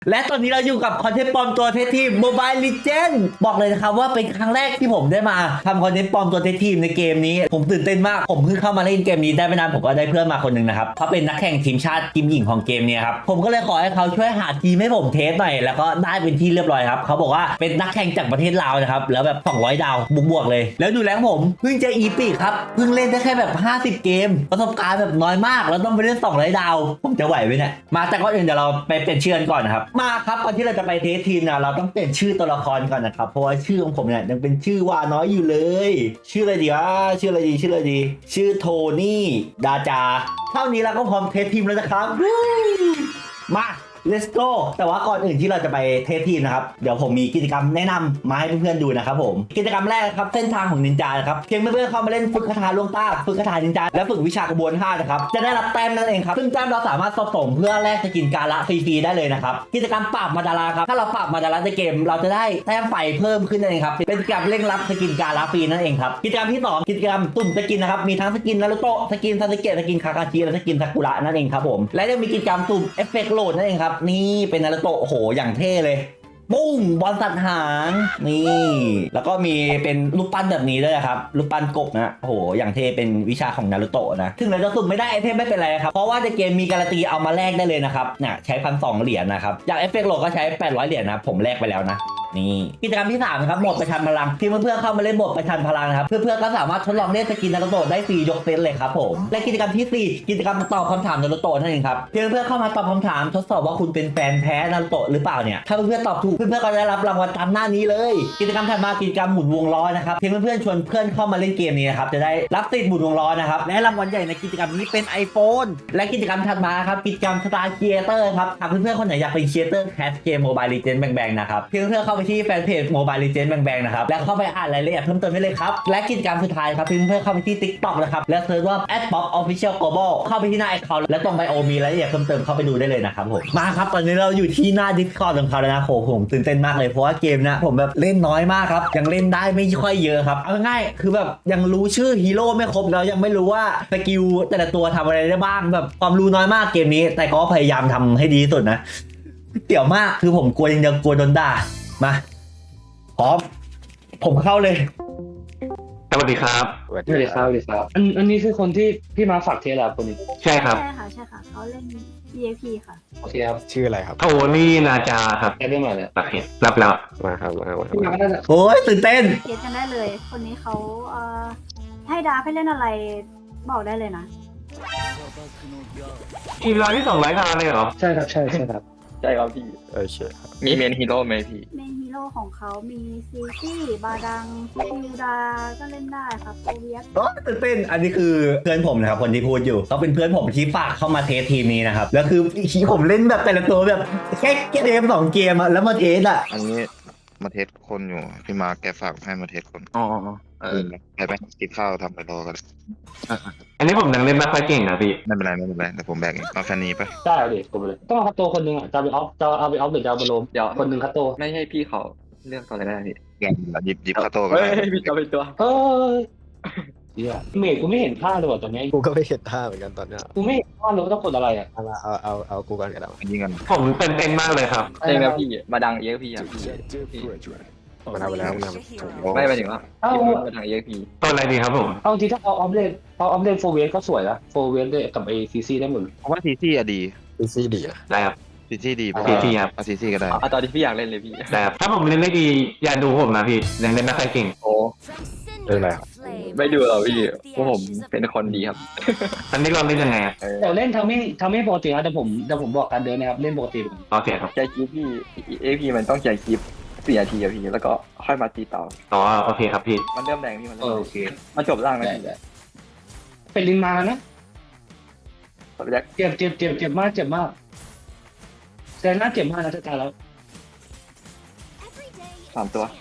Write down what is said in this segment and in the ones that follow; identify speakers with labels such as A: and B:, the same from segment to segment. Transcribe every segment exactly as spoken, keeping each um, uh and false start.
A: และตอนนี้เราอยู่กับคอนเทนต์ปลอมตัวเทสทีม Mobile Legends บอกเลยนะครับว่าเป็นครั้งแรกที่ผมได้มาทำคอนเทนต์ปลอมตัวเทสทีมในเกมนี้ผมตื่นเต้นมากผมเพิ่งเข้ามาเล่นเกมนี้ได้ไม่นานผมก็ได้เพื่อนมาคนหนึ่งนะครับเขาเป็นนักแข่งทีมชาติทีมหญิงของเกมนี้ครับผมก็เลยขอให้เขาช่วยหาทีมให้ผมเทสหน่อยแล้วก็ได้เป็นที่เรียบร้อยครับเขาบอกว่าเป็นนักแข่งจากประเทศลาวนะครับแล้วแบบสองร้อยดาวบวกๆเลยแล้วดูแรงผมเพิ่งจะอีปีครับเพิ่งเล่นได้แค่แบบห้าสิบเกมประสบการณ์แบบน้อยมากแล้วต้องไปเล่นสองร้อยดาวผมจะไหวไหมเนี่ยมาแต่ก่อนอื่นเดี๋ยวเราไปเปลี่ยนชื่อก่อนนะครับมาครับก่อนที่เราจะไปเทสทีมนะเราต้องเปลี่ยนชื่อตัวละครก่อนนะครับเพราะว่าชื่อของผมเนี่ยยังเป็นชื่อว่าน้อยอยู่เลยชื่ออะไรดีวะชื่ออะไรดีชื่ออะไรดีชื่อโทนี่ดาจาเท่านี้เราก็พร้อมเทสทีมแล้วนะครับมา let's go แต่ว่าก่อนอื่นที่เราจะไปเทสทีมนะครับเดี๋ยวผมมีกิจกรรมแนะนำมาให้เพื่อนๆดูนะครับผมกิจกรรมแรกครับเส้นทางของนินจาครับเพียงเพื่อนๆเข้ามาเล่นฝึกคาถาลวงตาฝึกคาถานินจาและฝึกวิชากระบวนท่านะครับจะได้รับแต้มนั่นเองครับซึ่งแต้มเราสามารถสะสมเพื่อแลกสกินการละฟรีๆได้เลยนะครับกิจกรรมปราบมาดาราครับถ้าเราปราบมาดาราในเกมเราจะได้แต้มไฟเพิ่มขึ้นนั่นเองครับเป็นกิจกรรมเร่งรับสกินการละฟรีนั่นเองครับกิจกรรมที่สองกิจกรรมตุ่มสกินนะครับมีทั้งสกินนารุโตะสกินซาสึเกะสกินคาคาชิและสกินซากุระนั่นเองครับผมและยังมีกิจกรรมตุ่มเอฟเฟกต์โหลดนั่นเองครับนี่เป็นนารุโตะโอ้โหอย่างเท่เลยปุ้งบอลสัตว์หางนี่แล้วก็มีเป็นรูปปั้นแบบนี้ด้วยครับรูปปั้นกบนะโอ้โหอย่างเท่เป็นวิชาของนารูโตะนะถึงเราจะสุ่มไม่ได้ไอเทมไม่เป็นไรครับเพราะว่าในเกมมีการันตีเอามาแลกได้เลยนะครับเนี่ยใช้พันสองเหรียญนะครับอย่างเอฟเฟกต์โหลดก็ใช้แปดร้อยเหรียญนะผมแลกไปแล้วนะนี่กิจกรรมที่สามครับโหมดประชันพลังที่เพื่อนๆเข้ามาเล่นโหมดประชันพลังนะครับเพื่อนๆก็สามารถทดลองเล่นสกินนารูโตะได้ฟรียกเซตเลยครับผมและกิจกรรมที่สี่กิจกรรมตอบคำถามนารูโตะนั่นเองครับเพื่อนๆเข้ามาตอบคำถามทดสอบว่าคุณเป็นแฟนแท้นารูโตะหรือเปล่าเนี่ยถ้าเพื่อนๆตอบถูกเพื่อนๆก็ได้รับรางวัลตามหน้านี้เลยกิจกรรมถัดมากิจกรรมหมุนวงล้อนะครับเพียงเพื่อนๆชวนเพื่อนเข้ามาเล่นเกมนี้นะครับจะได้รับติดหมุนวงล้อนะครับและรางวัลใหญ่ในกิจกรรมนี้เป็น iPhone และกิจกรรมถัดมาครับกิจกรรม Star Creator ครับหากเพื่อนๆคนไหนอยากเป็น Creator แคสเกม Mobile Legends แบงๆนะครับเพียงเพื่อนๆเข้าไปที่แฟนเพจ Mobile Legends แบงๆนะครับและเข้าไปอ่านรายละเอียดเพิ่มเติมได้เลยครับและกิจกรรมสุดท้ายครับเพียงเพื่อนๆเข้าไปที่ TikTok นะครับและเซิร์ชว่า แอท ป๊อป ออฟฟิเชียล โกลบอล เข้าไปที่หน้า account และตรงไบโอมีรายละเอียดเพิ่มเติมเข้าไปดูได้เลยนะครับผมมาครับตอนนี้เราอยู่ที่หน้า Discord ของเขาแล้วนะโหผมตื่นเต้นมากเลยเพราะว่าเกมนะผมแบบเล่นน้อยมากครับยังเล่นได้ไม่ค่อยเยอะครับเอาง่ายๆคือแบบยังรู้ชื่อฮีโร่ไม่ครบแล้วยังไม่รู้ว่าสกิลแต่ละตัวทำอะไรได้บ้างแบบความรู้น้อยมากเกมนี้แต่ก็พยายามทำให้ดีที่สุดนะเตี่ยวมากคือผมกลัวยังจะกลัวโดนด่ามาพร้อมผมเข้าเลย
B: สวัสดีครับ
C: สวัสดีครับสวัสดีครับอันอันนี้คือคนที่พี่มาฝากเทสเหรอคนนี้
B: ใช่ครับ
D: ใช่ค่ะใช่ค่ะเขาเล่น อี เอ พี ค่ะ
C: โอเคครับ
E: ชื่ออะไรครับ
B: โทนี่นาจาครับ
C: ได้เรื่องอะไรเนี่ย
B: โอเครับแล้ว
E: มาครับมามา
C: พี่มาก็น่าจะ
A: โอ้ยตื่นเต้น
D: เทสกันได้เลย คนนี้เขาเอ่อให้ดาร์ฟให้เล่นอะไรบอกได้เลยนะ
B: ทีมเราที่สองร้อยดาวเลยเหรอ
C: ใช่ครับใช่ใช่ครับ
F: ใช่ครับพี่
E: โอเคครับ
F: มีเมนฮีโร่ไหมพี่
D: เมนฮีโร่ของเขามีซีซี่บาดังคิวดาก็เล่นได้ครับโอเวียส
A: โอ้ตื่นเต้นอันนี้คือเพื่อนผมนะครับคนที่พูดอยู่เขาเป็นเพื่อนผมที่ฝากเข้ามาเทสทีมนี้นะครับแล้วคือผมเล่นแบบแต่ละตัวแบบแค่เกมสองเกมอะแล้วมาเทสอะ
G: อันนี้มาเทสคนอยู่พี่มาแกฝากให้มาเทสคน
F: อ๋อเออ
G: ไปไปกินข้าวทำไปรอกัน
B: อันนี้ผมยังเล่นไม่ค่อยเก่งนะพี่
G: ไม่เป็นไรไม่เป็นไรแต่ผมแบกเองเอาแค่นี้ไป
C: ได้เอาดิผมเลยต้องเอาคัตโตคนหนึ่งอ่ะจะเอาไปออฟจะเอาไปออฟหรือจะเอาไปโลม
F: เดี๋ยว
C: คนหนึ่งคัตโต
F: ไม่ให้พี่เขาเลือกตัวอะไรได้พี่
G: อย่างหยิบหยิบข้าวโต้ก็
F: เฮ้
G: ได้
F: ยพี่เอาไปตัว
C: เฮ้ยเฮียเมย์กูไม่เห็นท่าเลยว่ะตอนนี้
E: กูก็ไม่เห็นท่าเหมือนกันตอนเนี้ย
C: กูไม่เห็นท่าเลยว่าต้องกดอะไรอ่ะ
E: เอามาเอาเอาเอากูก่อนกันแล้ว
G: อันนี้กัน
B: ผมเต้นเต้นมากเลยครับ
F: เองนะพี่มาดังเอ็กพีอ่ะพี่
E: มันเอาไปแล้วมันเอา
F: ไม่ไปถึงว่า
C: เอ้า
F: มาดังเอ็กพี
B: ตัวอะไรดีครับผม
C: เอาจริงถ้าเอาออฟเลนเอาออฟเลนโฟเวสก็สวยนะโฟเวสด้วยกับไอซีซีได้หมด
G: เพราะว่าซีซี่อะดี
E: ซีซีดีอะ
B: ได้ครับ
G: ซีซี่ดี
B: ซีซี่ครับ
G: เอาซีซี่ก็ได้
F: เอาตอนที่พี่อยากเล่นเลยพี่
B: ได้ครับถ้าผมเล่นได้ดีอย่าดูผมนะพี่ยังเล่นไม่ค่อยเก่ง
F: โอ้
E: เรื่องอะไรครับ
F: ไม่ดูหรอพี่เพราะผมเป็นคนดีครับ
B: ตอนนี้เราเล่นยังไงอะ
C: แต่เล่นทำให้ทำให้ปกตินะแต่ผมแต่ผมบอกการเดินนะครับเล่นปกติ
B: โอเคครับ
F: ใจคลิปพี่เอ็กพีมันต้องใจคลิปสี่นาทีอะพี่แล้วก็ค่อยมาตีต่อ
B: อ๋อโอเคครับพี่
F: มันเริ่มแรงพี่มัน
C: เอ
F: เริ่
C: อ
F: ม
C: โอเค
F: มันจบร่างแล้ว
C: ได้
F: พี่
C: ได้เป็นลินมานะ
F: ขอไปแจ็ค
C: เจ็บเจ็บเจ็บเจ็บมากเจ็บมากแต่น่าเจ็บมากนะจะตายแล้ว
F: สามตัว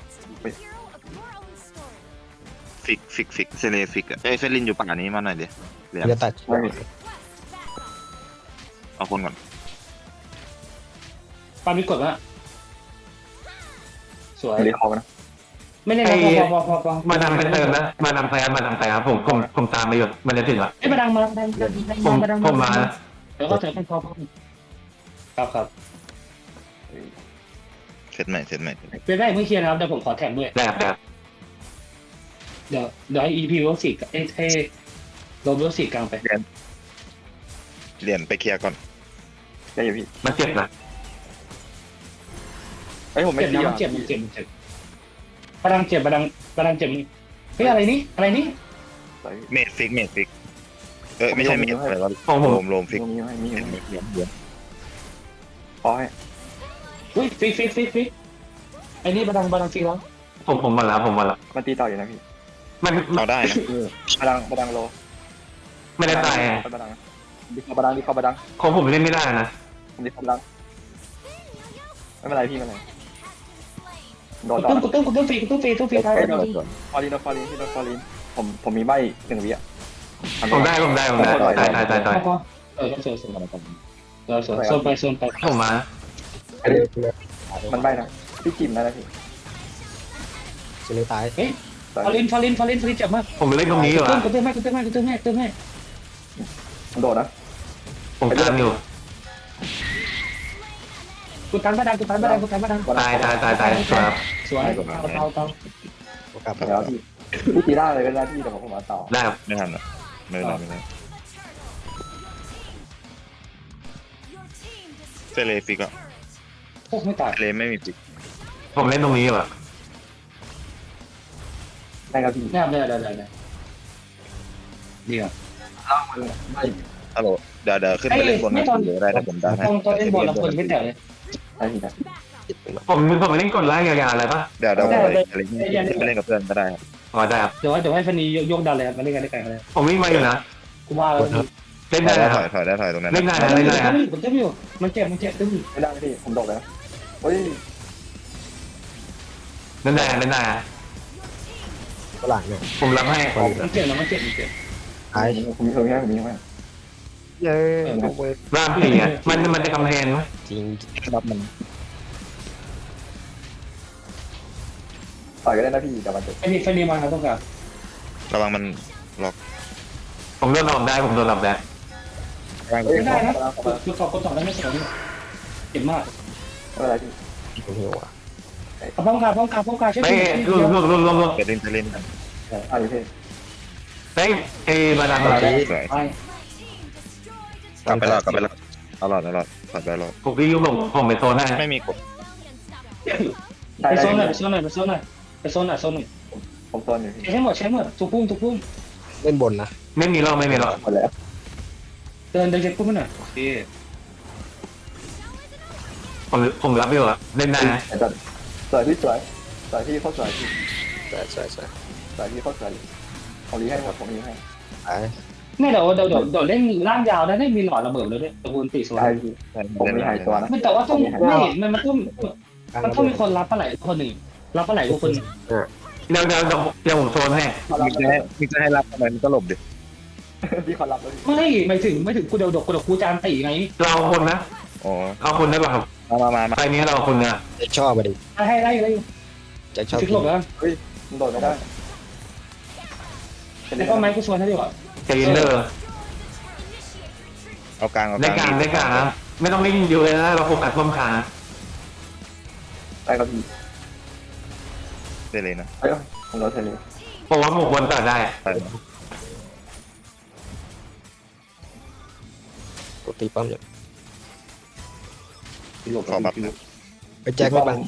G: ฟิกฟิกฟิกเซเลฟิกอะไอ้เซลินอยู่ป่านี้มาหน่อยเดี๋ยวเหลือ
E: จะตัด
G: เอาคนก่อน
C: ปามีกดว่าสวย
F: ไม่ได้คอนะ
C: ไม่ได้นะพอพอพอพอ
B: มาดามไปเติมนะมาดามไปมาดามไปครับผมผมผมตามไปอยู่มันจะถึงละ
C: ไอ้ยมาดังมาดังดังดัง
B: ผม
C: มาดัง
B: ผมมา
C: เดี๋ยวก็เถอะพอพอครับครับ
G: ซตใหม่เซตใหม่
C: เป็นได้ไม่เคลียร์นะครับเดี๋ยวผมขอแถมด้วย
B: ได้ครับได้ครับ
C: เดี๋ยวเดี๋ยวให้ อี พี เวลสี่กับเอ้ยให้โรเวลสี่กลางไป
G: เหรียญไปเคลียร์ก่อน
F: ได้อยู่พี่
B: มันเจ็บนะ
F: ไอ้ยผมไม่
C: เจ็บ
F: ตี
C: นะ
F: อ่ะ
C: มันเจ็บมันเจ็บมันเจ็บประดังเจ็บประดังประดังเจ็บนี่เฮ้ยอะไรนี่อะไรนี่
G: เมดฟิกเมดฟิกเอ้ยไม่ใช่เมดอะไรวะ
B: ของผม
G: โลมโลมฟิก
F: ตรงนี้ไม่มี
G: เหรียญเหรียญเหรียญ
F: พอให้
C: อุ้ยฟิกฟิกฟิกฟิกไอ้นี่ประดังประดังฟิกแล้ว
B: ผมผมหมดแล้วผมหมดแล้ว
F: มันตีต่ออยู่นะพี่
B: มัน
G: เอาได้นะ
F: บาดังบาดังโล
B: ไม่ได้ตายอะ
F: บาดังดิคอบาดังดิคอบาดัง
B: ของผมเล่นไม่ได้นะ
F: ดิคอบาดังไม่เป็นไรพี่ไม่เป็นไรโดนต่อ
C: ตุ้มกูตุ้มกูตุ้มฟรีกูตุ้มฟรีตุ้มฟรี
F: เอ้ย
C: ได้
F: โดนฟอรีนฟอรีนพี่โดนฟอรีนผมผมมีใบหนึ่งวิอ่ะ
B: ผมได้ผมได้ผมได้ตายตายตายตาย
C: พอเออโซนโซนเออโซนโซนไปโซนไป
B: ผมมา
F: มันใบนะพี่จิมได้นะพี่
E: เซเลตาย
C: เฮ้ยฟาลินฟาลินฟาลินฟาลินเจ็บมาก
B: ผมเล่นตรงนี้อยู่
C: ตุ้
B: อะ
C: มกูตุ้มแม่กูตุ้มแม่กูตุ้มแม่ตุ้มแม่
F: มันโดดนะ
B: ผมตามอยู่
C: กูตันประดังกูตันประดังกูตันประดัง
B: ตายตายตายตายครับ
C: สวยเตาเตา
E: กลับมา
F: แล้วพี่พี่ตีได้เลยก็ได้พี่แต่ผมมาต่อ
B: ได้ครับ
G: ไม่ทันอ่ะไม่เป็นไรไม่เป็นไรเซเลฟิกอ่ะ
C: พวกไม่ตาย
G: เซเลไม่มีฟิก
B: ผมเล่นตรงนี้อยู่อะ
F: ได้ครับพี่
C: ได้ได้ได้ได้ได้ดีอ่ะ
F: ล่างมันไม่
G: ฮัลโหลเดี๋ยวเดี๋ยวขึ้นไปเล่นบนนะเดี๋ยวได้ถ้าผมได้ให้
C: ตอนตอนเล่นบอลเราคนไม่แตกเลย
F: ได้พี่นะ
B: ผมผมเล่นกดไล่ยาวๆอะไรปะ
G: เดี๋ยวเดี๋ยวผมไปอะไรเงี้ยไปเล่นกับเพื่อนก็ได้ครับ
B: อ๋อได้ครับ
C: เดี๋ยวเดี๋ยวให้ฟันนียกดันเลยครับมาเล่นกันได้ไกลเลย
B: ผมวิ่งมาอยู่นะ
C: กูว่าแล้ว
B: เล่น
G: ถ
B: ได้
G: อย
B: นะค
G: ถ
B: รับ
G: อยถอยได้ถอยตรงนั้น
B: เล่นได้นะเล่นได้นะ
C: ผมเจ็บอยู่มันเจ็บมันเจ็บตึ้ง
F: ไม่ได้พี่ผมโดดเลยนะเฮ้ย
B: เล่นได้เล่นได้นะ
E: ฝรั่งเนี่ย
B: ผมรับให้
C: มันเจ็บนะมันเจ็บมันเจ็บ
E: ตาย
F: ผมมีผมมีให้ผมมีให้
E: เย้เอาไป
B: ร่างผีอ่ะมันมันจะกำแพงไหม
E: จริงรับมัน
F: ต่อยก็ได้นะพี่แต่มันจะ
C: ไอ้นี่ฟันนีมาครับต้องการ
G: ระวังมันล็อก
B: ผมโดนหลอกได้ผมโดนหลอกได้
E: ร่าง
C: ไม่ได้นะคือสอบคนสอบได้ไม่สอบนี่เจ็บมาก
F: ไม่เป็นไรพี่
E: ผมหิวอ่ะ
C: ป้องกันป้องกันป้องกันใช่ไหม
B: เฮ้ยรวมรวมรวมรวมรวม
G: ไปเล่นไปเล่นกัน
F: อ่ะพี่
B: เฮ้ยเอ้บาดาล
G: สวย
C: ไป
G: กลับไปรอดกลับไปรอดเอาหลอดเอาหลอดถอดไปรอด
B: ผมพี่ยุบผมผมไปโซนให้
G: ไม่มีกด
F: ได้
C: ไป
F: ได้
C: โซนหน่อยไปโซนหน่อยไปโซนหน่อยไปโซนหน่อยโซนหน่อย
F: ผมโซนอยู่พี่
C: ใช้หมดใช้หมดทุกพุ่งทุกพุ่ง
E: เล่นบนนะ
B: ไม่มีหรอกไม่มีหรอก
F: หมดแล้ว
C: เดินเดินเช็คพุ่งหน่อยโอเค
B: ผมผมรับอยู่อะเล่นได้นะ
F: แต่สวยพี่สวยสวยพี่เขาสวยพี่
E: ใช่ใช่ใช่
F: สวยพี่เขาสวยผมรีให้หมดผมรีให้
E: ตาย
C: นี่เดี๋ยวเดี๋ยวเดี๋ยวเดี๋ยวเล่นร่างยาวนะได้มีหลอดระเบิดเลยด้วยตะกูลตีสวย
F: ได้พี่ผมมีหายตัวนะ
C: ไม่แต่ว่าต้องไม่มันมันต้องมันต้องมีคนรับปลาไหลคนหนึ่งรับปลาไหลคนหนึ่ง
B: เดี๋ยวเดี๋ยวเดี๋ยวเดี๋ยวผมโซนให้
G: มีจะให้มีจะให้รับทำไมมันก็หลบดิ
F: พี่เขารับแล้ว
C: ไม่ไม่ถึงไม่ถึงกูเดี๋ยวดกกูเดี๋ยวกูจานตีไง
B: เราคนนะ
G: อ๋อ
B: เอาคนได้ป่ะครับ
G: มามามามา
B: ไปนี้เราคนเนี่ย
E: จะชอบไปดิ
C: ให้ไล่ไล่
E: จะชอบ
C: ฟิกหลบแล้ว
F: เฮ้ยมันโดดไม่ได้
C: แล้วก็ไม้กูชวนให้ดีกว่า
B: เจนเดอร์
G: เอากลางเอาก
B: ได้
G: ลาง
B: การได้การนะไม่ต้องเล่นอยู่เลยนะเราโฟกัสร่วมขานะ
F: ได้ครับพี่
G: ได้เลยนะ
F: เฮ้ยผมโดนเทเล
B: เพราะว่าหมกบนต่อได้
G: ไป
E: กดตีป้อมอยู่
F: พี่หลบ
G: ขอบัฟ
F: พี่หลบ
E: ไปแจ็คไม่บัง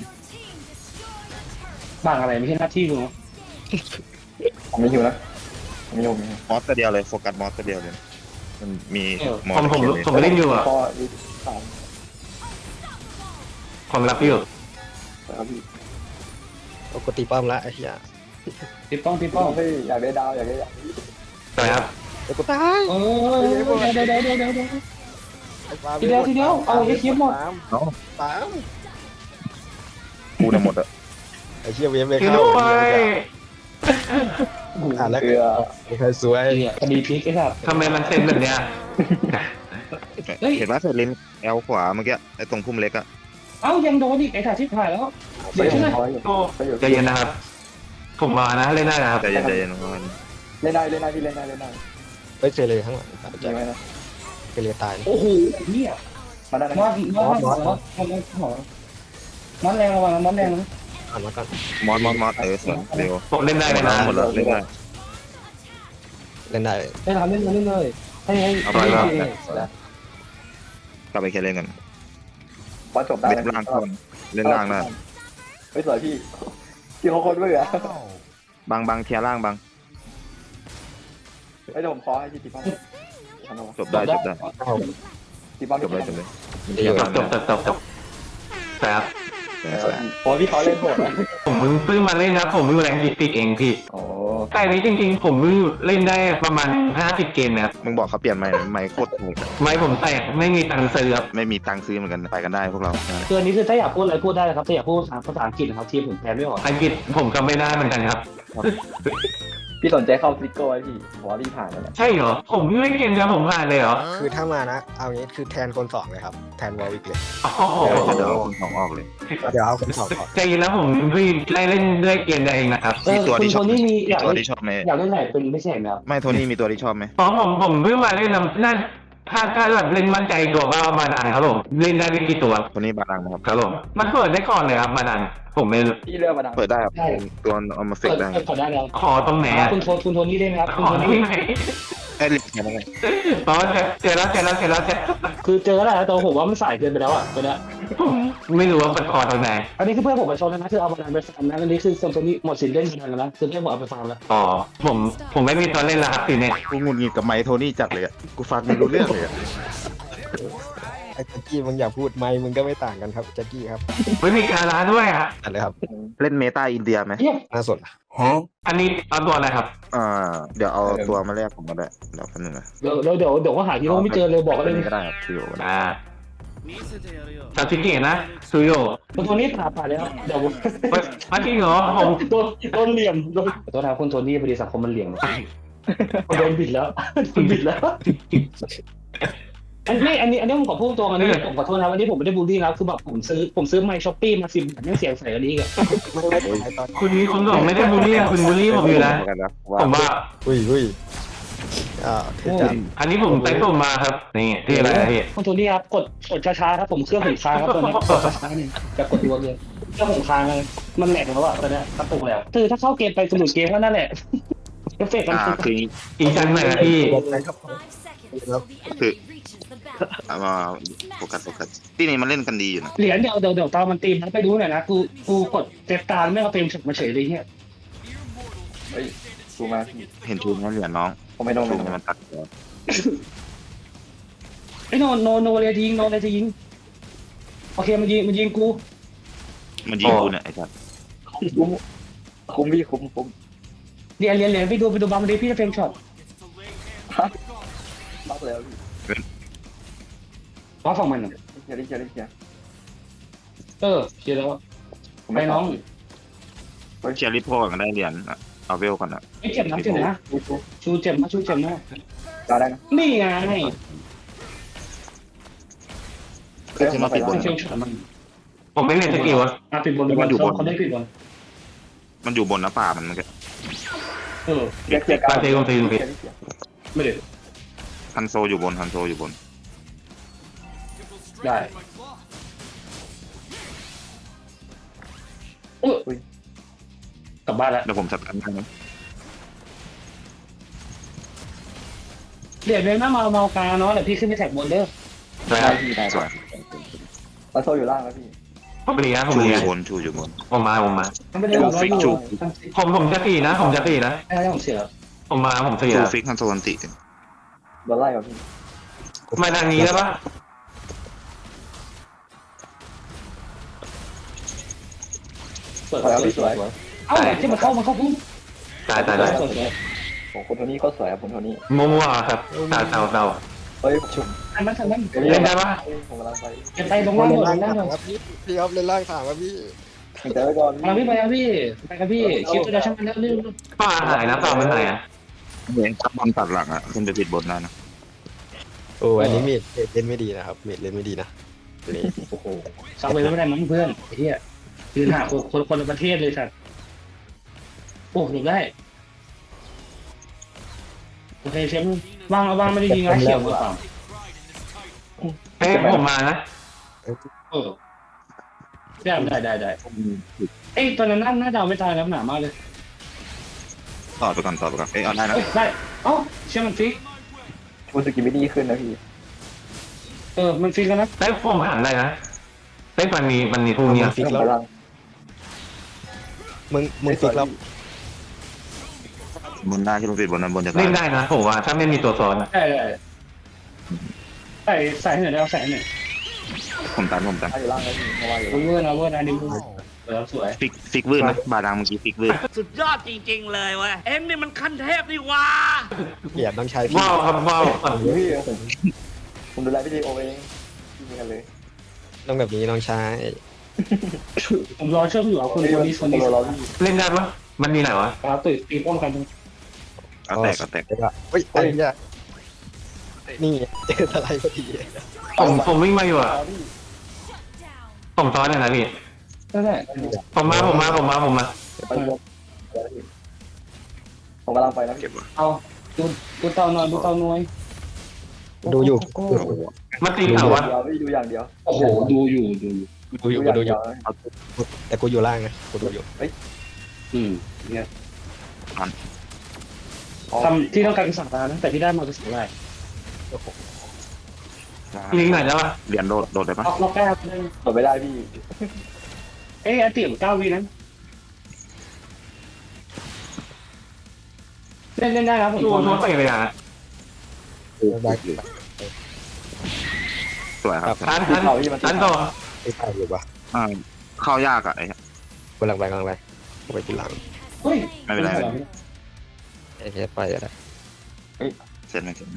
C: บ้างอะไรไม่ใช่หน้าที่กูเนาะ
F: ผมไม่หิวนะผมไม่หิวไม่หิว
G: มอสตัวเดียวเลยโฟกัสมอสตัวเดียวเลยมันมีมอ
B: ผม
G: ส
B: ผม
G: เขียวเลย
B: ผมไปเล่นอยู่อะ
F: พอยี่สาม
B: ผมรับอยู่
F: ครับพี่
E: เอากดตีป้อมละไอ้เหี้ย
C: ติดป้องติดป้อง
F: เฮ้ยอยากได้ดาวอยากได้ดาว
B: สวยครับ
E: เดี๋ยวกูตาย
C: เออเดี๋ยวเดี๋ยวเดี๋ยวเดี๋ยวเดี๋ยวเดี๋ยว
E: ไอ้ฟ้า
C: ทีเดียวทีเดียวเอาไอ้เคียบหมด
E: ตามตาม
G: กูนะหมดอะ
E: ไอ้เหี้ยเวฟเลย
B: คือ
E: เข้า
B: ด้วย
E: อ่านแล้ว
F: เกลือ
E: ใครสวย
C: เนี่ยคดีพลิกไอ้สัส
B: ทำไมมันเซ็นแบบเนี้ย
C: เฮ้ย
G: เห็นว่าเซเลนแอลขวาเมื่อกี้ไอ้ตรงพุ่มเล็กอะ
C: เอ้ายังโดนอีกไอ้สัสที่ถ่ายแล้ว
F: ไปอยู่พออยู่
B: โอ้ใจเย็นนะครับ ผมมานะเล่นได้นะครับ
G: ใจเย็นใจเย็นน้องมัน
F: เล่นได้เล่นได้พี่เล่นได้เล่นได้
E: เฮ้ยเซเลยข้างหลังตาย
F: จริ
E: แจ็
F: ง
E: ค
F: ไหมนะ
E: เซเลยตาย
C: โอ้โหเนี่ย
F: มาได้นะ
C: มอสมอสมอสมอสมอสน้ำแรงระวังน้ำแรงนะ
E: อ่านมาก่อน
G: มอสมอสมอสเออสวยเร็ว
B: ผมเล่นได้ไหมนะ
G: หมดแล้วเล่นได้
E: เล่นได้
C: ได้ทำเล่นมาเล่นเลยให้ให้
G: เอาไปแล้ว
C: แล้ว
G: กลับไปแค่เล่นกัน
F: บอลจบได้
G: เล่นล่างก่อนเล่นล่างได้
F: เฮ้ยสวยพี่พี่เขาคนด้วยเหรอบ
G: างบางเคลียร์ล่างบาง
F: เฮ้ยเดี๋ยวผมขอให้พี่ตีป้อมทำเอา
G: จบได้จบได้
F: ตีป้อม
G: จบเลยจบเลย
B: จบจบจบจบจบครับ
G: สวย
F: โอ้พี่เขาเล่นโหดนะ
B: ผมเพิ่งเพิ่งมาเล่นนะผมเพิ่งแรงดิติกเองพี่
F: โอ้
B: แต่นี้จริงๆ ผมเพิ่งเล่นได้ประมาณห้าสิบเกมนะครับ
G: มึงบอกเขาเปลี่ยนไม้ไม้โคตรถูก
B: ไม่ผมแตกไม่มีตังค์ซื้อครับ
G: ไม่มีตังค์ซื้อเหมือนกันไปกันได้พวกเรา
C: คืออันนี้คือถ้าอยากพูดอะไรพูดได้นะครับถ้าอยากพูดภาษาอังกฤษนะครับทีมผมแปลไม่ออก
B: อังกฤษผมก็ไม่ได้เหมือนกันครับ
F: พี่สนใจเข้าฟิกโก้ไหมพี่ผมว่าพี่ผ่านแล้วแหละ
B: ใช่เหรอผมไม่เก่งครับผมผ่านเลยเหรอ
E: คือถ้ามานะ เอางี้คือแทนคนสองเลยครับ แทนวอลวิกเลย
B: โอ้โห
G: เดี๋ยวเอาคนสองออกเลย
E: เดี๋ยวเอาคนสองก่อน
B: ใจเย็นแล้วผมเพิ่งได้เล่นด้วยเกมเองนะครับ
C: เออ
G: มีตัว
C: คุณ
G: ที่ช
C: โท
G: อบ
C: นี่มีอยาก
G: ตัว
C: เล่น
G: ที่ชอบไหม
C: อยากเล่นไหนเป็นไม่ใช่ไหมครับ
G: ไม่โทนี่มีตัวที่ชอบไหม
B: อ๋อผมผมเพิ่งมาเล่นนะนั่นถ้าถ้าแบบเล่นมั่นใจตัวก็มาดานครับผมเล่นได้ไม่กี่ตัว
G: โทนี่บาลังนะครับ
B: ครับผมมันเปิดได้ก่อนเลยครับมาดานผมไม่รู้
F: พี่เลือกมาดัง
G: เปิดได้ครับตัวเอามาเฟ
C: เปิ
G: ก
C: ด
G: ได้
C: เปิดขอได้แล้ว
B: ขอตรงไหนอะ
C: คุณโทคุณโทนี่ได้ไหมครับ
B: ข
C: คุณ
B: อ
C: โท
B: ที่
C: นี่
B: ไหน
G: ไอ้ยเหล็กแค่นั้นไง
B: อ๋อเจอแล้วเจอแล้วเจอแล้วเจอ
C: คือเจอแล้วแหละแต่ผมว่ามันสายเกินไปแล้วอ่ะตัวเนี้ย
B: ผมไม่รู้ว่ามันขอตรงไหน
C: อันนี้คือเพื่อนผมไปชนแล้วนะคือเอามาดันไปฟาร์มนะอันนี้คือโซนนี้หมดสิทธิ์เล่นมาดันแล้วนะคือเพื่อนผมเอาไปฟาร์มแล้ว
B: อ๋อผมผมไม่มีตัวเล่นแล้วครับทีนี้
G: กูงุนงิดกับไม้โทนี่จัดเลยอะกูฟังไม่รู้เรื่องเลยอะ
E: ไอ้แจ็คกี้มึงอย่าพูดไม่มึงก็ไม่ต่างกันครับแจ็คกี้ครับ
B: ไม่มีการร้านด้วยอะ
E: อันเลยครับ
G: เล่นเมตาอินเดียไหม
C: เยี่ยม
E: น่าสน
B: อันนี้เอาตัวอะไรครับ
G: อ่าเดี๋ยวเอาตัวมาแลกผมก็ได้เดี๋ยวแป๊บนึงนะ
C: เดี๋ยวเดี๋ยวเดี๋ยวเดี๋ยวก็หาฮีโร่ไม่เจอเลยบอกกันเลย
G: ก็ได้ครับคิวก็ได้
B: อ่าซาซิเกะนะซูโย
C: คุณโทนี่ผ่าผ่าแล้วเดี๋ยว
B: เฮ้ยมันจริงเหรอผม
C: โดนโดนเหลี่ยมโดนตัวทางคุณโทนี่พอดีสังคมมันเหลี่ยมโดนบิดแล้วโดนบิดแล้วอันนี้อันนี้อันนี้ผมขอพูดตรงอันนี้ผมขอโทษนะวันนี้ผมไม่ได้บูลลี่นะคือแบบผมซื้อผมซื้อไมค์ช้อปปี้มาสิบอันนี้เสียงใส่อันนี้กัน
E: ไม่ไม่ไม่ตอน
B: คุณนี้คุณบอกไม่ได้บูลลี่คุณบูลลี่ผมอยู่นะ
G: กันนะ
B: ผมว่า
E: อุ้ยอุ้ยอ่าเทจัด
B: อันนี้ผมแต่งตัวมาครับนี่ที่อะไรนะพี่
C: คุณโทนี่ครับกดกดช้าๆครับผมเครื่องผมค้างครับตอนนี้กดช้าๆนี่จะกดรัวเลยเครื่องผมค้างเลยมันแหลกแล้วอะตอนนี้กระตุกแล้วคือถ้าเข้าเกมไปสนุกเกมก็นั่นแหละเอฟเฟกต์มัน
G: อ่าคือ
B: อีกชั้นหนึ่งอะพี่
G: คือเอามาโฟกัสโฟกัสที่นี่มันเล่นกันดีอยู่นะ
C: เหรียญเดี๋ยวเดี๋ยวเดี๋ยวตอนมันตีมนะไปดูหน่อยนะกูกูกดเซฟตาไม่เอาเฟรมฉกมาเฉยเลยเนี่ย
F: เฮ้ยดูมาพี่
G: เห็นชูนเหรียญน้อง
F: ผมไม่โดน
G: ชู
F: ไม่
G: น
F: โดน
G: มันตัดหัว
C: ไอ้โนโนโนเลยจะยิงโนเลยจะยิงโอเคมันยิงมันยิงกู
G: มันยิงกูเนี่ยไอ้สัส
F: คุ้มคุ้มพี่คุ้มคุ้ม
C: เหรียญเหรียญเหรียญไปดูไปดูบางทีพี่จะเฟรมช็อต
F: ล็อกแล้วพี่
C: ว่าฝั่งมันอ่ะ
F: เคลียร์เคลียร์เคลียร์
C: เออเคลียร์แล้ว
F: ผม
C: ไปน้อง
G: เชียร์ลิโพกันได้เหรียญอะเอาเวลก่อนอะ
C: ไม่เจ็บนะเจ็บนะชูเจ็บนะชูเจ็บนะ
F: ได้ได้นะ
C: นี่ไง
F: เคลียร์มาไปแล้ว
C: เฟรมช็อตมัน
B: ผมไม่เล่นสกิลอะ
C: อ่ะปิดบนปิดบนเขาได้ปิดบน
G: มันอยู่บนหน้าป่ามันมันก็
C: เออ
F: เคลียร์เคลียร์การเคลียร์เคลียร์
C: ไม่ได้
G: ฮันโซอยู่บนฮันโซอยู่บน
C: ได้เออกลับบ้านแล้ว
G: เดี๋ยวผมจัดการให้นะ
C: เหรียญเป็นหน้าเมาเมากาเนาะแต่พี่ขึ้นไปแท็กบนเด้อ
B: ได้
F: ได้พี่ได้
G: สวย
F: มาโซอยู่ล่างแล้วพี่
B: ผมเลียผม
G: ชู
B: เลี
G: อย ยู่บนชูอยู่บน
B: ผมมาผมมา
C: มันไม่ได้บอกว่าอยู่
B: ผมผมจะตีนะ ผมจะตีนะ
C: ไม่ได้ผมเสีย
B: ผมมาผมตี
G: ชู
B: แล้ว
G: ฟิกฮันโซอันติ
F: โดนไล่กับพี่
B: มาทางนี้แล้วปะ
C: เปิดสวยเอ้าที่มันเข้ามันเข้าพุ่ง
B: ตายตายตาย
F: โอ้คนโทนี่เขาสวยอ่ะคนโทนี่
B: มัวมัวครับตาเตาเตา
F: เฮ้ยชุบ
C: อันนั้นอันนั้น
B: เล่นได้ปะ
F: ผมกำลังไป
C: เก็บไปลงล่างหมดล
E: ล่าง
C: งล่างหมด
E: ครับพี่พี่ครับเล่นล่างถามครับพี่
F: เดี๋ยวไว้ก่อน
C: มาพี่ไปครับพี่ไปครับพี่คิดตัวเดียวช่างมันแล้วเรื่อง
B: ป่าหายนะป่ามันหายอ่ะ
G: เหมือนจับบอลตัดหลังอะขึ้นไปปิดบนได้นะ
E: โอ้อันนี้เมดเมดเล่นไม่ดีนะครับเมดเล่นไม่ดีนะนี่
C: โอ้โหซักไปไม่ได้มั้งเพื่อนไอ้เหี้ยยืนหาคนคนคนละประเทศเลยสัตว์โอ้หนีได้โอเคเชฟวางวางไม่ได้ยิงนะเขียวหรือเปล่า
B: เฮ้ยผมมานะ
C: เออได้ได้ได้ได้เอ้ยตอนนั้นน่าน่าจะเอาไม่ตายแล้วหนามากเลย
G: ต่อไปก่อนต่อไปก่อนเอ้ยเอาได้นะ
C: เอ้ยได้เอ้าเชื่อมันฟิก
F: มูสกิไม่ดีขึ้นนะพี่
C: เออมันฟิกแล้วนะ
B: ได้ฟอร์มหันได้นะได้มันมีมันมีพวกเนี้ย
E: ฟิกแล้ว
F: พลัง
E: มึงมึงฟิกแล้ว
G: บนได้ที่ลงปิดบนนั้นบนจะ
B: เล่นได้นะผมว่าถ้าไม่มีตัวซ้อนนะ
C: ได้ได้ใส่ใส่ให้หน่อยได้เอาใส่ให้หน่อย
G: ผมตันผมตัน
F: ถ้าอยู่ล่างแล้วพี่ไม่ว่าอยู่
C: เวอร์นะเวอร์นะดิมเออสวย
G: ฟิกฟิกวืดนะบาดังเมื่อกี้ฟิกวืด
H: สุดยอดจริงๆเลยเว้ย เอ็งนี่มันขั้นเทพนี่หว่า
E: เกลียดต้องใช้ฟิก
B: ว้าวครับว้าว
F: พี่ผมผมดูแลพี่ดีโอเองพี่มีกันเลย
E: ต้องแบบนี้ต้องใช้
C: ผมรอเชื่อมอยู่เอาคนคนนี้คนนี้
F: เรา
B: เล่นได้ปะมันมีไหนวะ
C: ครับตื่นตีป้องกัน
G: เอาแตกเอาแตก
E: เดี๋ยวก็เฮ้ยไอ้เนี่ยนี่เจออะไรพอดี
B: ผมผมวิ่งมาอยู่อ่ะผมซ้อนเลยนะพี่
C: นั่นแหละ
B: ผมมาผมมาผมมาผมมา
F: ไปรวมผมกำลังไปนะ
G: เก็บวะ
C: เอาดูดูเตาหน่อยดูเตาหน่อย
E: ดูอยู่
B: มันตีเต่า
F: ดูอ
B: วะ
F: ย่างเดียวพี่ดูอย่างเดียว
C: โอ้โหดูอยู่ดูอยู่
E: ดูอยู่ดูอยู่แต่กูอยู่ล่างนะกูดูอยู่
C: อืมเนี่ยทำที่ต้องการคือสั่งตานะแต่ที่ได้มาคือสั่งอะไร
B: ลิงไหนแล้ววะ
G: เหรียญโดดโดดได้ปะ
C: ล็อกล็อกแก้วเลย
F: เปิดไม่ได้พี่
C: เอ้ยอันติมเก้าวีนั้นเล่นเล่นได้ครับผม
B: ดูทั่วไปเลยอ่ะ
E: ได้
G: สวยครับ
B: ทันทันทันต่อ
E: ไม่ใช่อยู่ปะ
G: อ่าเข้ายากอะไอ้
E: กำลังไปกำลังไปกูไปทีหลัง
C: เฮ้ย
G: ไม่เป็นไร
E: ไอ้แค่ไปอะไร
G: เสร็จไหมเสร็จ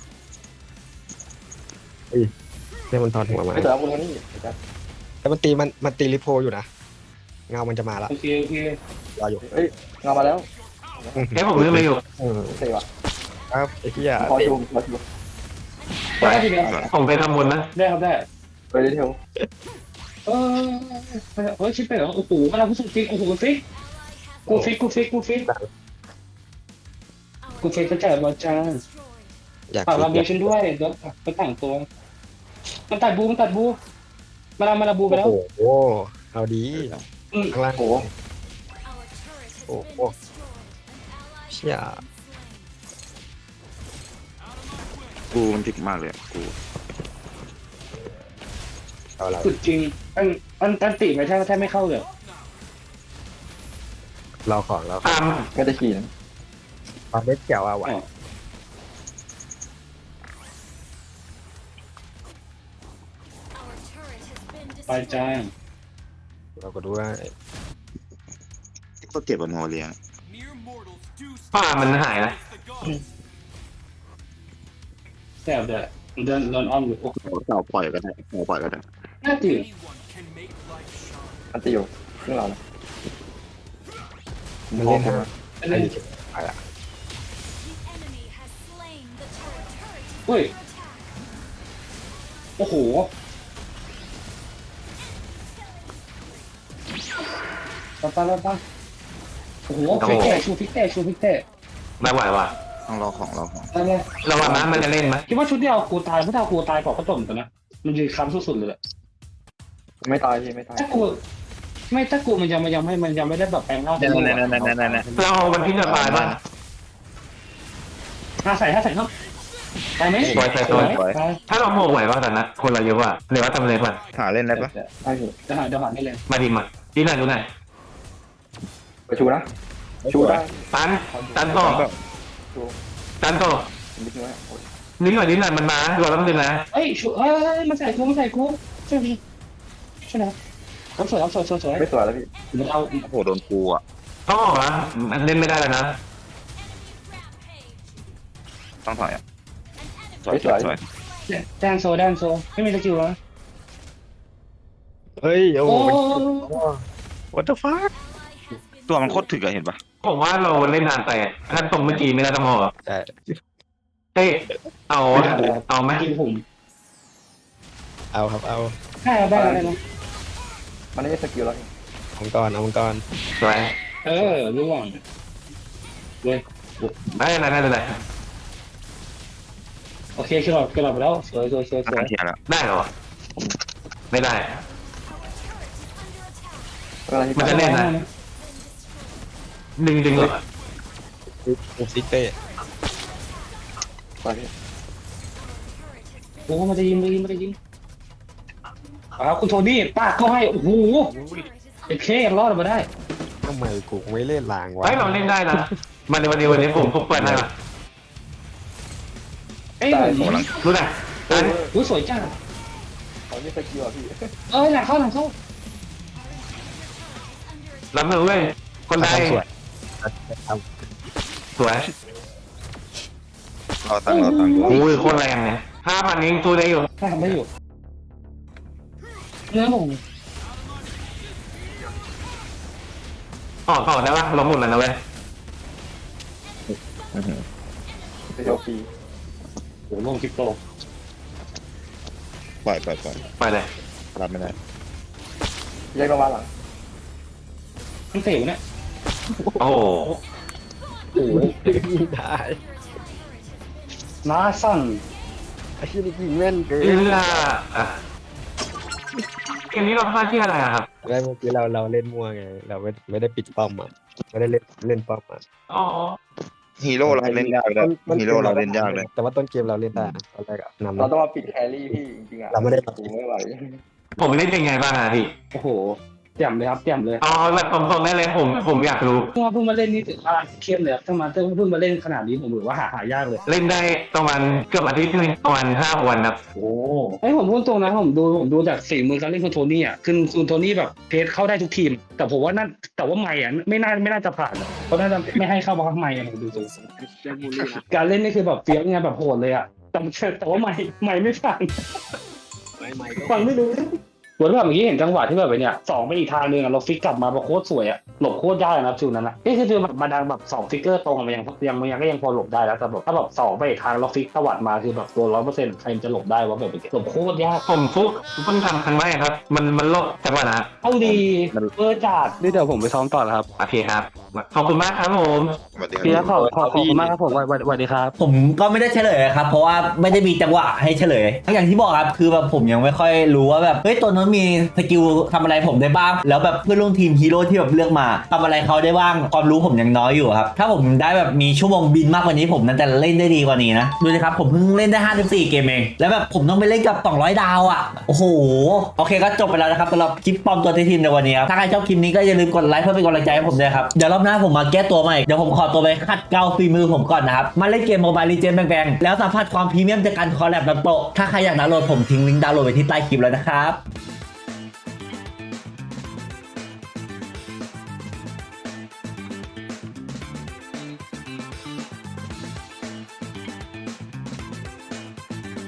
E: เรื่องมันทอนหัวมา
F: ไม่แต่ละคนนี้
E: แล้วมันตีมันมันตีลิโพอยู่นะเงามันจะมาละ
C: โอเคโอเค
E: รออยู่
F: เฮ้ยงามาแล้ว
B: แค่ผมลืมไปอยู่
E: เออ
F: โอเคว่ะ
E: ครับไอ้เหี้ย
F: พอชูพอชู
C: ได้ทีเดียว
B: ผมไปทำบุญนะ
C: ได้ครับได้
F: ไปดีเทล
C: เออเฮ้ยชิปไปเหรอโอ้โหกำลังพูดจริงโอ้โหฟิกกูฟิกกูฟิกกูฟิกกูฟิกกระจายบอลจ้า
E: อยาก
C: ฝาก
E: ฟิ
C: เรา
E: ก
C: เบียร์ฉันด้วยเดี๋ยวไปแต่งตัวมันตัดบูมันตัดบูมาลามาลาบูไปแล้ว
E: โอ้โหเอาดีข้างล่าง
F: โอ้โห
E: โอ้โหเชี่ย
G: กูมันถึกมากเลยอะกู
E: เอาอะไร
C: สุดจริงอันอันตันติไม่ใช่แทบไม่เข้าเลย
E: เราของเรา
B: ตาม
F: ไม่ได้ขี่นะ
E: ความเล็ดเกี่ยวเอาไว้
C: ไปจ้า
E: เราก็ดูว่า
G: ก็เจ็บบนหัวเรียง
B: ฝ้ามันหายนะ
C: แซ่บเด้อเดินเดินอ้อมอยู่โอ้
G: เต่าปล่อยก็ได้เต่าปล่อยก็ได้
C: น่าตื่น
F: มันตีอยู่เครื่องเรานะ
E: มันเล่นฮะ
C: อัน
E: ไอ้
C: นี้
E: นี่ไปละ
C: เฮ้ยโอ้โหไปไปไปไปโอ้โหฟิกเตะชูฟิกเตะชูฟิกเตะ
B: ไม่ไหวว่ะ
G: ต้องรอของรอของ
C: ไปเลย
B: ระวังนะมันจะเล่นไหม
C: คิดว่าชุดที่เอากูตายไม่ถ้าเอากูตายก่อนก็จบกันนะมันยืนค้ำสุดๆเลย
F: ไม่ตายพี่ไม่ตาย
C: ถ้ากูไม่ถ้ากูมันยังมันยังไม่มันยังไม่ได้แบบแปลงร่าง
G: เนี่ยเนี่ยเนี่ยเนี่ยเนี่ยเนี่ย
B: เรามันพิจารณาบ้าง
C: ห้าใส่ห้าใส่ครับตายไหม
B: สวยสวยสวย
C: ตาย
B: ถ้าเราโมกไหวป่ะตอนนั้นคนเราเยอะว่ะหรือว่าทำเลยป่ะ
G: หาเล่นได้ปะ
F: ใช่พี่
C: เดี๋ยวหาเดี๋ยวหาได้เลย
B: มาดิมาดีหน่อยดูหน่อย
F: ไปชูนะชูได้
B: ตันตันต่อ
F: ชู
B: ตันต่อ
F: นิดนึงนะโอ้ย
B: นิดหน่อยนิดหน่อยมันมาเราต้องดึงนะ
C: เอ้ยชูเอ้ยมันใส่กูมันใส่กูใช่ไหมใช่ไหมรับสวยรับสวยสวยสวย
F: ไม่สวยแล้วพี่
C: มันเอา
G: โอ้โหโดนกูอ่ะ
B: ต้องออกนะมันเล่นไม่ได้แล้วนะ
G: ต้องถอยอ่ะสวยสวยสวย
C: แดนโซแดนโซไม่มีสกิลแล้ว
E: เฮ้ยโอ้
C: โอ้
E: โห what the fuck
G: ตัวมันโคตรถึกอะเห็นปะ
B: ผมว่าเราเล่นนานไปถ้าตรงเมื่อกี้ไม่น่าต้องออก
E: ใช่
B: เต้เอาเอาไหม
C: กินผม
E: เอาครับเอา
C: ได้ได้ได้นะ
F: มันไม่ได้สกิลแล้ว
E: มังกรเอามังกร
B: สวย
C: เออร่วงเว้ย
B: ได้เลยได้เลย
C: โอเคขึ้นหลอดขึ้นหลอดไปแล้วสวยสวยสวยสวย
G: อาเทียแล้ว
B: ได้เหรอไม่ได้
F: อะไร
B: มันจะเล่นนะดึงดึงเลย
E: โอซิเต้
F: ไปพี่
C: โอ้มันจะยิงมันจะยิงมันจะยิงอ้าวคุณโทนี่ปาดเข้าให้โอ้โหไอ้เครอดมาได้
E: ทำไมกูไม่เล่นลางวะ
B: เฮ้ยเราเล่นได้นะมันในวันนี้วันนี้ผมผมเปิดให้ละ
C: เอ้ย
G: โอ้โหหลัง
B: รู้นะอัน
C: อุ้ยสวยจัง
F: เขาไม่สกิลอ่ะพี่
C: เอ้ยหลังเข้าหลังเข้า
B: รับมือเว้ยคนใด
E: สวยท
B: สวย
G: รอตังค์รอตังค์
B: โอ้ยโคตรแรงเนี่ยห้าพันเองตัวได้อยู่
C: ถ้าทำได้อยู่เนื้อผม
B: ออกออกได้ปะเราหมุนแล้วนะเว้ย
F: เดี๋ยวปี
C: โอ้โหลงคริปโต
G: ปล่อยปล่อยปล่อย
B: ไปเลย
G: รับไม่ได้
F: แยกลงมาหลัง
C: มันเสียวเนี่ย
B: โอ้โห
C: โอ้โห
E: ำได้
C: น้าสั่น
E: ไอ้ที่นี่ยิงแม่นเกิน
B: เอื้ออ่ะเกมนี้เราพลาดที่อะไรอะครับ
E: แล้วเมื่อกี้เราเราเล่นมั่วไง เราไม่ไม่ได้ปิดป้อมอ่ะไม่ได้เล่นเล่นป้อมอ่ะ
B: อ๋อ
G: ฮีโร่เราเล่นยากเลยฮีโร่เราเล่นยากเลย
E: แต่ว่าต้นเกมเราเล่นได้นะตอนแรกอะนำ
F: เราต้องมาปิดแครี่พี่จริงๆอ่ะ
E: เราไม่ได้
F: โอ้ไม่ไหว
B: ผมเล่นเป็นไงบ้างอะพี่
C: โอ้โหแจ่มเลยครับแจ่มเลย
B: อ๋อแบบตรงๆได้เลยผมผมอยากรู้
C: เพิ่งมาเพิ่งมาเล่นนี่ถือว่าเข้มเลยครับถ้ามาเพิ่งมาเล่นขนาดนี้ผมถือว่าหาหายากเลย
B: เล่นได้ประมาณเกือบอาทิตย์นึงประมาณห้าวันครับ
C: โอ้ไอ้ยผมพูดตรงนะผมดูผมดูจากฝีมือการเล่นคุณโทนี่อ่ะคือคุณโทนี่แบบเพจเข้าได้ทุกทีม แต่ผมว่านั่นแต่ว่าไม่อ่ะไม่น่าไม่น่าจะผ่านอะเพราะน่าจะไม่ให้เข้าบล็อกไม่อ่ะผมดูตรงการเล่นนี่คือแบบเฟี้ยวไงแบบโหดเลยอ่ะแต่แต่ว่าไม่ไม่ไม่ผ่านฟังไม่รู้เหมือนแบบเมื่อกี้เห็นจังหวะที่แบบไอ้เนี่ยสองไปอีกทางหนึงอ่ะเราฟิกกลับมาแบบโคตรสวยอ่ะหลบโคตรยากนะจูนั้นอ่ะนี่คือแบบมาดังแบบสองฟิกเกอร์ตรงมันยังยังยังก็ยังพอหลบได้แล้วแต่แบบถ้าแบบสองไปอีกทางเราฟิกตวัดมาคือแบบตัวร้อยเปอร์เซ็นต์ใครจะหลบได้วะแบบหลบโคตรยาก
B: ผมฟุกเพิ่งทำครั้งแรกครับ มันมันโลกจังหวะนะ
C: เอาดีเบอร์จัดนี่เดี๋ยวผมไปซ้อมต่อแล้วครับ
B: โอเคครับขอบคุณมากครับผม
G: สวัสดี
C: พี่
G: ค
C: ค
G: รั
C: รั
G: บบ
C: ขอบขอบขอบคุณมากครับผมสวัสดีครับ
A: ผมก็ไม่ได้เฉลยครับ เพราะว่าไม่ได้มีจังหวะให้เฉลยอย่างที่บอกครับคือแบบผมยังไม่ค่อยรู้ว่าแบบเฮ้ยตัวนั้นมีสกิลทำอะไรผมได้บ้าง แล้วแบบเพื่อนร่วมทีมฮีโร่ที่แบบเลือกมาทำอะไรเขาได้บ้างความรู้ผมยังน้อยอยู่ครับถ้าผมได้แบบมีชั่วโมงบินมากกว่านี้ผมน่าจะเล่นได้ดีกว่านี้นะดูสิครับผมเพิ่งเล่นได้ห้าสิบสี่เกมเองแล้วแบบผมต้องไปเล่นกับสองร้อยดาวอ่ะโอ้โหโอเคก็จบไปแล้วนะครับสำหรับคลิปปลอมตัวทีมในวันนี้ครับถ้าใครชอบคลิปนี้ก็อย่าลืมกดไลค์เพื่อเป็นกำลังใจให้ผมด้วยครับเดี๋ยวรอบหน้าผมมาแก้ตัวใหม่เดี๋ยวผมขอตัวไปคัดเกลาฝีมือผมก่อนนะครับมาเล่นเกมโมบายลีเจนด์แบงๆแล้วสัมผัสความพรีเมียมจากการคอลแลบน้ำโตะถ้าใครอยากดาวน์โหลดผมทิ้งลิงก์ดาวน์โหลดไว้ที่ใต้คลิปแล้วนะครับ